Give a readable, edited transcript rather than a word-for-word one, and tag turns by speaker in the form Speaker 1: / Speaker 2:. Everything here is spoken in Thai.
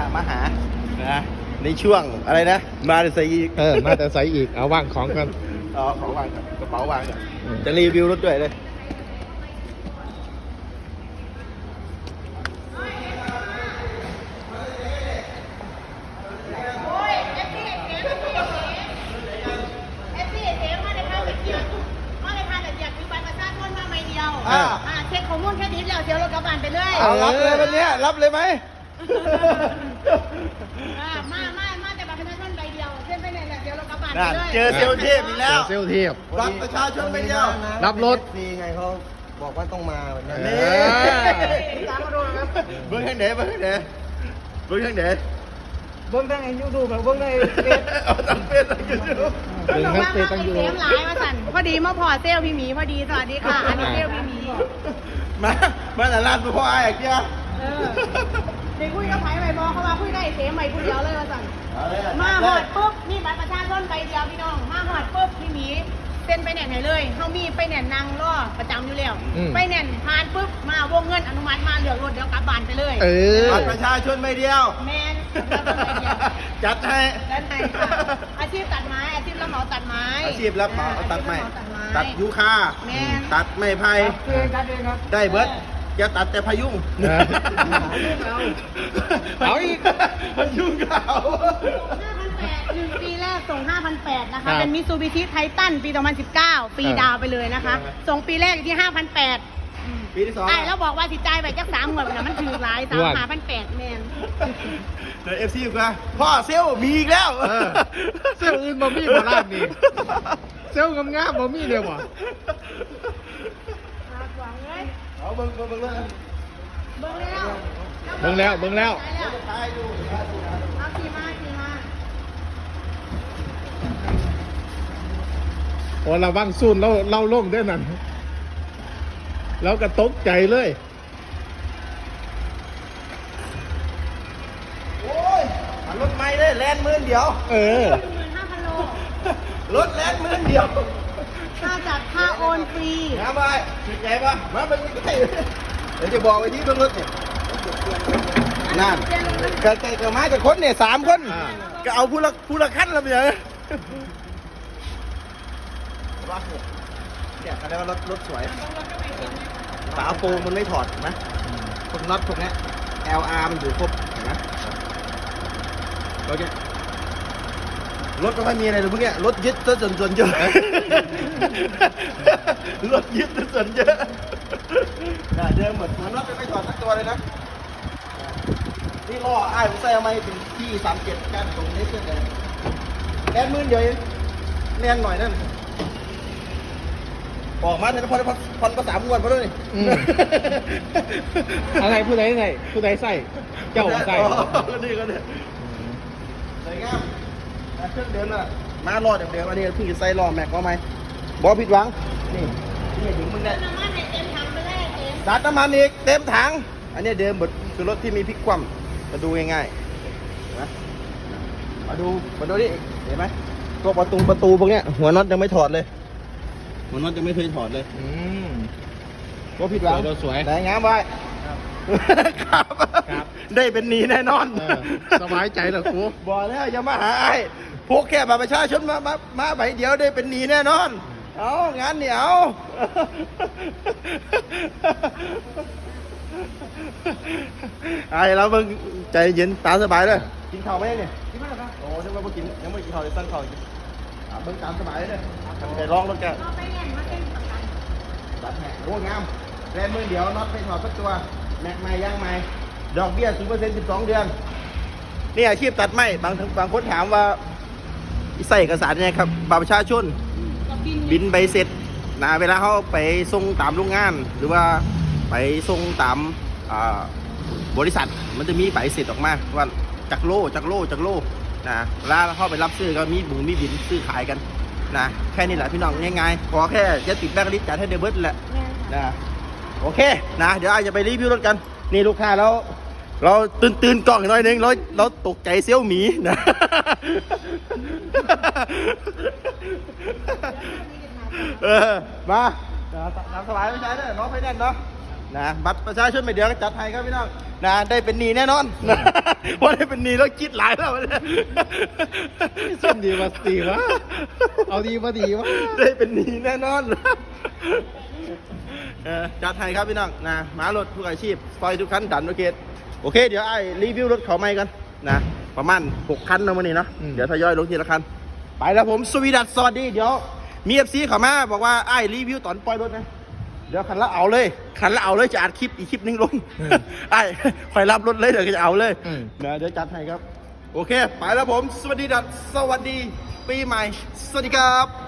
Speaker 1: มาหานะในช่วงอะไรนะมาแต่ใส่อีก
Speaker 2: มาแต่ใส่อีกเอาว่างของกัน
Speaker 1: อ๋อของวางก่อนกระเป๋าวางก่อนจะรีวิวรถด้วยเลย
Speaker 3: เช็คข้อมูลแค่นี้แล้วเดี๋ยวรถกระบะไปเลย
Speaker 1: เอารับเลยวันนี้รับเลยไหม
Speaker 3: มาแต่บัตรประชาชนใบเดียวเส้นไปเนี่ยเดี๋ยวรถกระบะไปเลย
Speaker 1: เจอเซลเทพอีกแล้ว
Speaker 2: เซลเทียบ
Speaker 1: บัตรประชาชนไม่เดียว
Speaker 2: รับรถ
Speaker 4: ฟรีไงเขาบอกว่าต้องมาวันนี้
Speaker 1: นี่ตามมาดูครับเบิ้งทางไหนเบิ้งทางไหนเบิ้งทางไหน
Speaker 4: เบิ้งทั้งยูทูบแบบเบิ้งในเฟซ
Speaker 1: เอาตั้งเฟซตั้งยูทูบ
Speaker 3: เขาบอกว่ามาเป็นเซลหลายมาสั่นพอดีมาพอเซลพี่หมีพอดีสวัสดีค่ะอันนี้เซลพี่หมี
Speaker 1: มาแต่ร้านตัวพ่อไอ้เกี้ย
Speaker 3: เด็กคุยกับไผ่ใบบอกเขาว่าคุยได้เซลใหม่คนเดียวเลยมาสั่นมาหอดปุ๊บนี่บัตรประชาชนใบเดียวพี่น้องมาหอดปุ๊บพี่หมีเซ็นไปแหน่นไหนเลยเขามีไปแหน่นนางรอประจำอยู่แล้วไปแหน่นผ่านปุ๊บมาวงเงินอนุมัติมาเหลืองรถเดี๋ยวกลับบ้านไปเลย
Speaker 1: บัตรประชาชนไม่เดียว
Speaker 3: แมนใบเดียว
Speaker 1: จัดให้
Speaker 3: ด้านในค่ะอาชีพตัดไม้อาชีพรับเหมาตัดไม้
Speaker 1: อาชีพรับเหมาตัดไม้
Speaker 3: ตัดไม้
Speaker 1: ตัดยูคา
Speaker 3: แม่น
Speaker 1: ตัดไม้ไผ่
Speaker 4: กันเองครับ
Speaker 1: ได้เบิร์ดจะตัดแต่พายุง
Speaker 2: เอาอีก
Speaker 1: พายุงเขา
Speaker 3: 5,800 1 ปีแรกส่ง 5,800 นะคะ เป็นมิตซูบิชิไททันปี 2019 ปีดาวไปเลยนะคะ ส่งปีแรกอยู่ที่ 5,800
Speaker 1: ปีที่สอง
Speaker 3: ไอ้แล้วบอกว่าสิจ่ายไปจัก3 หมดนะมันถือหลาย3,800แมน
Speaker 1: เดี๋ยวFC อยู่กันพ่อเซลลมีอีกแล้ว
Speaker 2: เซลอื่นบ่มีบ่ร้านนี้เซลงามๆบ่มีเดียวบ่
Speaker 3: หวังเลย
Speaker 1: เอาเบิ่งเลย
Speaker 3: เบิ่งแล้ว
Speaker 2: เบิ่งแล้ว
Speaker 1: ตายดู
Speaker 3: เอาขี่มา
Speaker 2: โอ้ระวังซูนเราลงด้วยนั่นแล้วก็ตกใจเลย
Speaker 1: โอ้ยรถไม่ได้แลนด์มื่นเดียว
Speaker 3: 15,000 โล
Speaker 1: รถแลนด์มื่นเดียว
Speaker 3: ค่าจัดค่าโอนฟรี
Speaker 1: น้ำไปสุดใจปะมาเป็นใกล้เดี๋ยวจะบอกไปที่เบื้องรถเนี่ยนั่นก็มาจากคนเนี่ย3 คนก็เอาผู้ละขั้นแล้วไปเลยว่าเนี่ยเขาเรียกว่ารถสวยฝาโปรงมันไม่ถอดเห็นไหมพวกน็อตพวกนี้ LR มันอยู่ครบเห็นไหมรถเนี่ยรถก็ไม่มีอะไรเลยพวกเนี้ยรถยึดซะส่วนเยอะรถยึดซะส่วนเยอะเดิมเหมือนน็อตไม่ถอดสักตัวเลยนะนี่ล้ออ้ายผมใส่เอามาถึงที่37กันตรงนี้เพื่อนเลยแอนมื่นเดียวเองแน่นหน่อยนั่นออกมาเนี่ยพันภาษามวนมาด้วยนี่
Speaker 2: อะไรผู้ใดใส่ผู้ใดใส่เจ้าใส่
Speaker 1: นี่ก็เนี่ยสวยงามเครื่องเดิมน่ะมารอดเดิมอันนี้เพิ่งจะใส่ล้อแม็กก็ไหมบอผิดหวังนี่ถึงมึงได้
Speaker 3: น้ำมันให้เต็มถังไปเลยเต็ม
Speaker 1: สาดน้ำมันอีกเต็มถังอันนี้เดิมหมดคือรถที่มีพลิกคว่ำมาดูง่ายๆนะมาดูนี่เห็นไหมตัวประตูพวกเนี้ยหัวน็อตยังไม่ถอดเลยหัวน็อตยังไม่เคยถอดเลยก็ผิดหวัง
Speaker 2: สวย
Speaker 1: แต่งามไว้ครับ ได้เป็นหนีแน่นอน
Speaker 2: สบายใจเหรอครู
Speaker 1: บอกแล้วอย่ามาหาไอ้พวกแค่บัตรประชาชนมาใบเดียวได้เป็นหนีแน่นอนเอางานเหนียวไอ้เราเพิ่งใจเย็นตาสบายเลยกินข้าวไหมเนี่ยกินไหมครับโอ้นึกว่าเพิ่งกินยังไม่กินข้าวเลยสั่งข้าวกินเบิ่งตามสบายเลยไปลองรถกัน
Speaker 3: เอาไปแน่นมาเต็มประกัน
Speaker 1: ตัดแหกโอ้งามแรนมือเดียวน็อตไม่ถอดสักตัวแม็กใหม่ย่างใหม่ดอกเบี้ย 0% 12 เดือนนี่อาชีพตัดไม้บางคนถามว่าใส่เอกสารยังไงครับบัตรประชาชนบินใบเสร็จนะเวลาเขาไปส่งตามโรงงาน หรือว่าไปส่งตามบริษัทมันจะมีใบเสร็จออกมาว่าจากโลนะเวลาเข้าไปรับซื้อก็มีบินซื้อขายกันนะแค่นี้แหละพี่น้องง่ายๆขอแค่จะติดแบงค์ลิสต์จัดให้เดบิวต์แหละนะโอเคนะเดี๋ยวอาจจะไปรีวิวรถกันนี่ลูกค้าแล้วเราตื่นกล้องหน่อยนึงเราตกใจเซี่ยวหมีนะ มาตามสบายไม่ใช่เด้อน้องไฟแนนซ์เนาะนะบัตรประชาชนไม่เดียวก็จัดให้ครับพี่น้องนะได้เป็นหนี้แน่นอนนะเพราะได้เป็นหนี้แล้วคิดหลายแล้วเนี่ย
Speaker 2: เส้นดีมาตีวะเอาดีมาดีวะ
Speaker 1: ได้เป็นหนี้แน่นอนจัดให้ครับพี่น้องนะหมารถทุกอาชีพซอยทุกคันดันโอเคโอเคเดี๋ยวไอ้รีวิวรถเขาใหม่กันนะประมาณ6 คันนะวันนี้เนาะเดี๋ยวทยอยลงทีละคันไปแล้วผมสวีดัสสวัสดีเดี๋ยวมีเอฟซีเขามาบอกว่าไอ้รีวิวตอนปล่อยรถนะเดี๋ยวคันละเอาเลยจะอัดคลิปอีกคลิปนึงลงไอ้คอยรับรถเลยเดี๋ยวจะเอาเลยนะเดี๋ยวจัดให้ครับโอเคไปแล้วผมสวัสดีดัสสวัสดีปีใหม่สวัสดีครับ